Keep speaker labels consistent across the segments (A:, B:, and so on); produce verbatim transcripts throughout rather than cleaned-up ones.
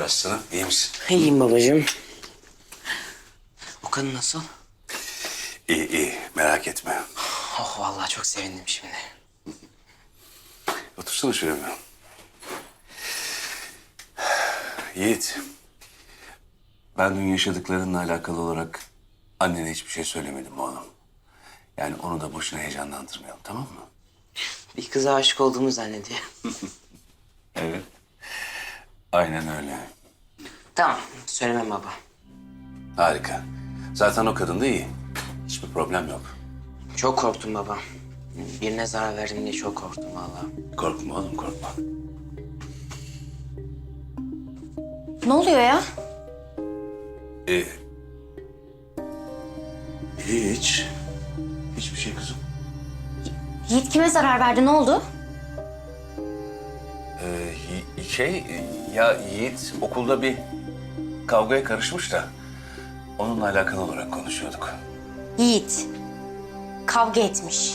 A: aslanım? İyi misin?
B: İyiyim babacığım. O kadın nasıl?
A: İyi iyi. Merak etme.
B: Oh vallahi çok sevindim şimdi.
A: Otursana şuraya bir. Yiğit. Ben dün yaşadıklarınla alakalı olarak annene hiçbir şey söylemedim oğlum. Yani onu da boşuna heyecanlandırmayalım, tamam mı?
B: Bir kıza aşık olduğumu zannediyor.
A: Evet. Aynen öyle.
B: Tamam, söylemem baba.
A: Harika. Zaten o kadın da iyi. Hiçbir problem yok.
B: Çok korktum baba. Birine zarar verdim diye çok korktum vallahi.
A: Korkma oğlum, korkma.
C: Ne oluyor ya?
A: Ee, hiç. Hiçbir şey kızım.
C: Yiğit kime zarar verdi? Ne oldu?
A: Ee, Yi- şey, ya Yiğit okulda bir kavgaya karışmış da onunla alakalı olarak konuşuyorduk.
C: Yiğit. Kavga etmiş.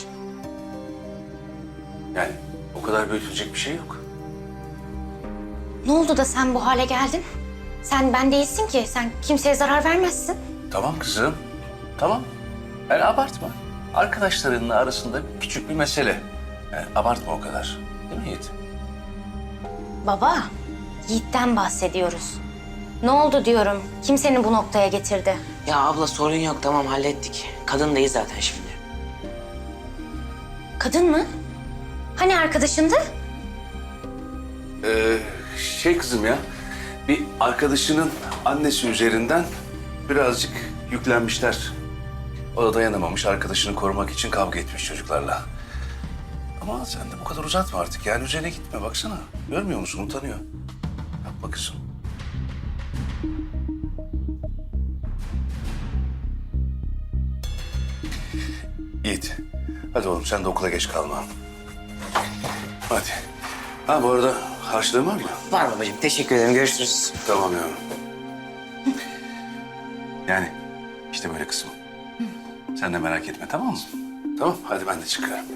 A: Yani o kadar büyütülecek bir şey yok.
C: Ne oldu da sen bu hale geldin? Sen ben değilsin ki. Sen kimseye zarar vermezsin.
A: Tamam kızım, tamam. Yani abartma. Arkadaşlarınla arasında küçük bir mesele. Yani abartma o kadar. Değil mi Yiğit?
C: Baba, Yiğit'ten bahsediyoruz. Ne oldu diyorum. Kim seni bu noktaya getirdi?
B: Ya abla sorun yok, tamam hallettik. Kadın da iyi zaten şimdi.
C: Kadın mı? Hani arkadaşındı?
A: Ee, şey kızım ya, bir arkadaşının annesi üzerinden birazcık yüklenmişler. O da dayanamamış, arkadaşını korumak için kavga etmiş çocuklarla. Ama sen de bu kadar uzatma artık, yani üzerine gitme, baksana. Görmüyor musun, utanıyor. Yapma kızım. Yiğit, hadi oğlum sen de okula geç kalma. Hadi. Ha bu arada harçlığın var mı?
B: Var babacığım, teşekkür ederim. Görüşürüz.
A: Tamam yavrum. Yani işte böyle kısmı. Sen de merak etme, tamam mı? Tamam, hadi ben de çıkıyorum.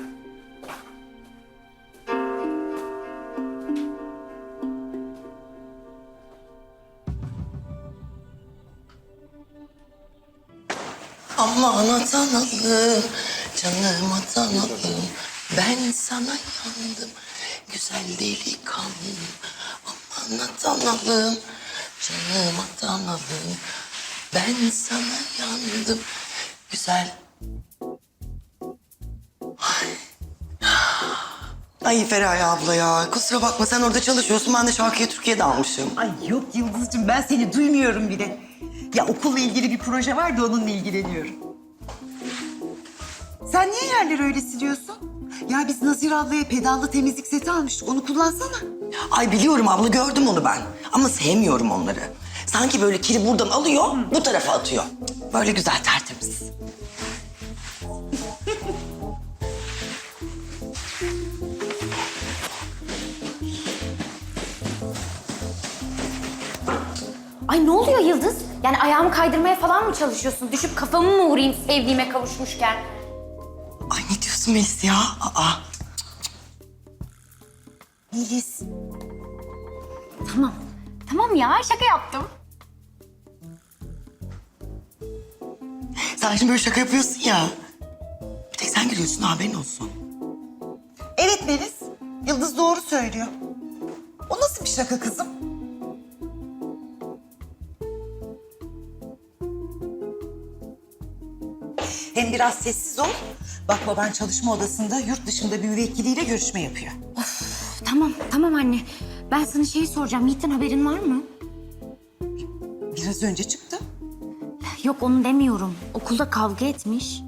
D: Aman atanalım, canım atanalım. Ben sana yandım, güzel delikanlım. Aman atanalım, canım atanalım. Ben sana yandım, güzel... Ay. Ay Feraye abla ya, kusura bakma sen orada çalışıyorsun. Ben de şarkıya Türkiye'de almışım.
E: Ay yok Yıldız'cığım ben seni duymuyorum bile. Ya okulla ilgili bir proje var da onunla ilgileniyorum. Sen niye yerleri öyle siliyorsun? Ya biz Nazire ablaya pedallı temizlik seti almıştık. Onu kullansana.
D: Ay biliyorum abla, gördüm onu ben. Ama sevmiyorum onları. Sanki böyle kiri buradan alıyor, bu tarafa atıyor. Böyle güzel, tertemiz.
C: Ay ne oluyor Yıldız? Yani ayağımı kaydırmaya falan mı çalışıyorsun? Düşüp kafamı mı vurayım sevdiğime kavuşmuşken?
D: Ay ne diyorsun Melis ya? Aa.
E: Melis.
C: Tamam. Tamam ya şaka yaptım.
D: Sen şimdi böyle şaka yapıyorsun ya. Bir tek sen gülüyorsun, haberin olsun.
E: Evet Melis. Yıldız doğru söylüyor. O nasıl bir şaka kızım? Hem biraz sessiz ol. Bak baban çalışma odasında yurt dışında bir müvekkiliyle görüşme yapıyor.
C: Tamam tamam anne. Ben sana şey soracağım. Yiğit'ten haberin var mı?
E: Biraz önce çıktı.
C: Yok onu demiyorum. Okulda kavga etmiş.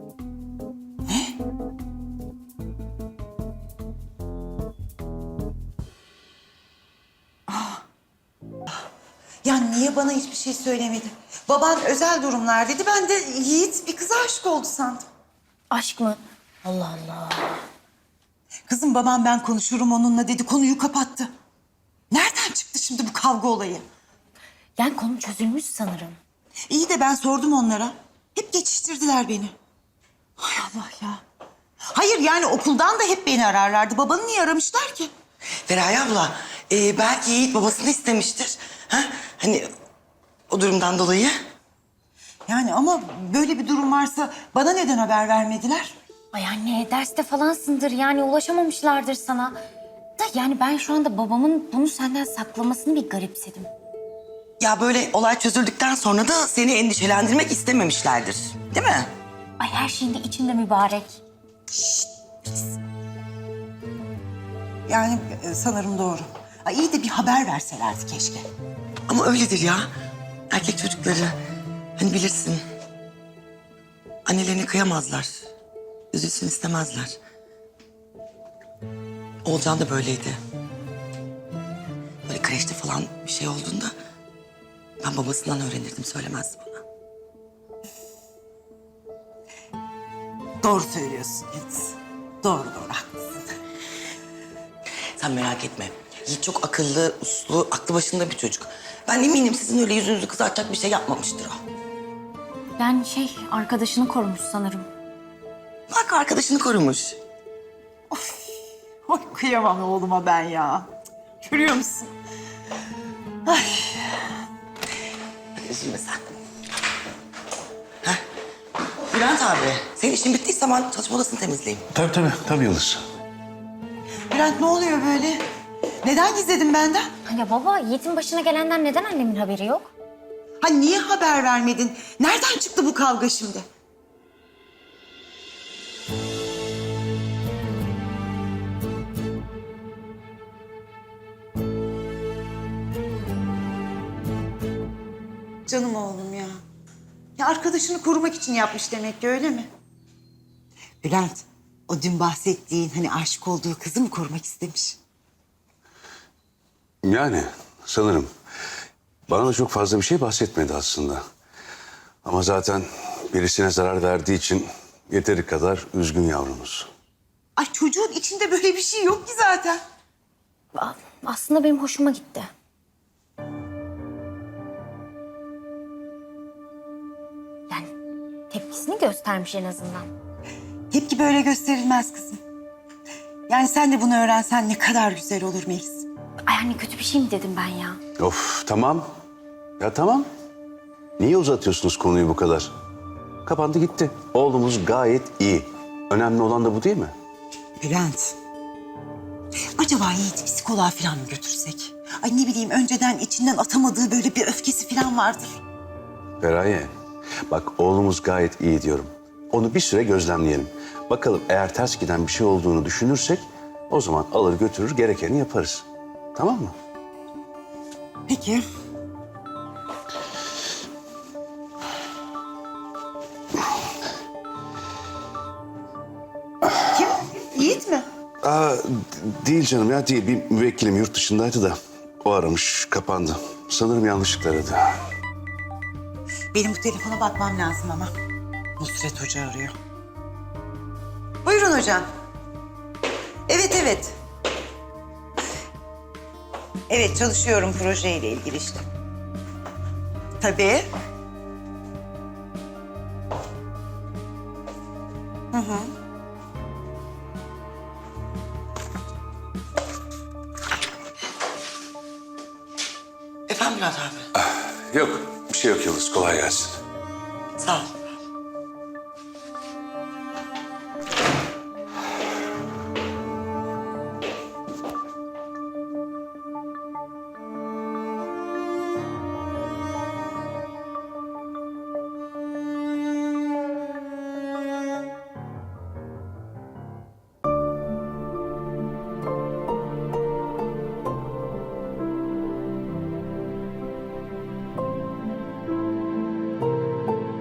E: Ya niye bana hiçbir şey söylemedi? Baban özel durumlar dedi. Ben de Yiğit bir kıza aşık oldu sandım.
C: Aşk mı? Allah Allah.
E: Kızım babam ben konuşurum onunla dedi. Konuyu kapattı. Nereden çıktı şimdi bu kavga olayı?
C: Yani konu çözülmüş sanırım.
E: İyi de ben sordum onlara. Hep geçiştirdiler beni. Hay Allah ya. Hayır yani okuldan da hep beni ararlardı. Babanı niye aramışlar ki?
D: Feraye abla, e, belki Yiğit babasını istemiştir. Ha? Hani o durumdan dolayı.
E: Yani ama böyle bir durum varsa bana neden haber vermediler?
C: Ay anne derste falansındır yani ulaşamamışlardır sana. Da yani ben şu anda babamın bunu senden saklamasını bir garipsedim.
D: Ya böyle olay çözüldükten sonra da seni endişelendirmek istememişlerdir. Değil mi?
C: Ay her şeyin de içinde mübarek.
E: Yani e, sanırım doğru. Ay iyi de bir haber verselerdi keşke.
D: Ama öyledir ya. Erkek çocukları hani bilirsin. Annelerini kıyamazlar. Üzülsün istemezler. Oğulcan da böyleydi. Böyle kreşte falan bir şey olduğunda ben babasından öğrenirdim, söylemezdi bana.
E: Doğru söylüyorsun Yıldız. Doğru doğru haklısın.
D: Sen merak etme. Yiğit çok akıllı, uslu, aklı başında bir çocuk. Ben eminim sizin öyle yüzünüzü kızartacak bir şey yapmamıştır o.
C: Yani şey arkadaşını korumuş sanırım.
D: Bak arkadaşını korumuş.
E: Ay kıyamam oğluma ben ya. Görüyor musun?
D: Hadi üzülme sen. Heh. Bülent abi, senin işin bittiyse ben çalışma odasını temizleyeyim.
A: Tabii tabii, tabii Yıldız.
E: Bülent ne oluyor böyle? Neden gizledin benden?
C: Ya baba Yiğit'in başına gelenden neden annemin haberi yok?
E: Ha niye haber vermedin? Nereden çıktı bu kavga şimdi? Canım oğlum ya. Ya arkadaşını korumak için yapmış demek ki öyle mi? Bülent, o dün bahsettiğin hani aşık olduğu kızı mı korumak istemiş?
A: Yani sanırım. Bana da çok fazla bir şey bahsetmedi aslında. Ama zaten birisine zarar verdiği için yeteri kadar üzgün yavrumuz.
E: Ay çocuğun içinde böyle bir şey yok ki zaten.
C: A- Aslında benim hoşuma gitti. Yani tepkisini göstermiş en azından.
E: Tepki böyle gösterilmez kızım. Yani sen de bunu öğrensen ne kadar güzel olur Melis.
C: Ay anne kötü bir şey mi dedim ben ya?
A: Of tamam. Ya tamam. Niye uzatıyorsunuz konuyu bu kadar? Kapandı gitti. Oğlumuz gayet iyi. Önemli olan da bu değil mi?
E: Bülent. Acaba Yiğit'i psikoloğa falan mı götürsek? Ay ne bileyim önceden içinden atamadığı böyle bir öfkesi falan vardır.
A: Feraye, bak oğlumuz gayet iyi diyorum. Onu bir süre gözlemleyelim. Bakalım eğer ters giden bir şey olduğunu düşünürsek o zaman alır götürür gerekeni yaparız. Tamam mı?
E: Peki. Kim? Yiğit mi?
A: Aa, d- değil canım ya değil. Bir müvekkilim yurt dışındaydı da o aramış kapandı. Sanırım yanlışlıkla aradı.
E: Benim bu telefona bakmam lazım ama. Nusret Hoca arıyor. Buyurun hocam. Evet, evet. Evet, çalışıyorum projeyle ilgili işte. Tabii. Hı hı.
D: Efendim Bülent abi.
A: Yok bir şey yok Yıldız kolay gelsin.
D: Sağ ol.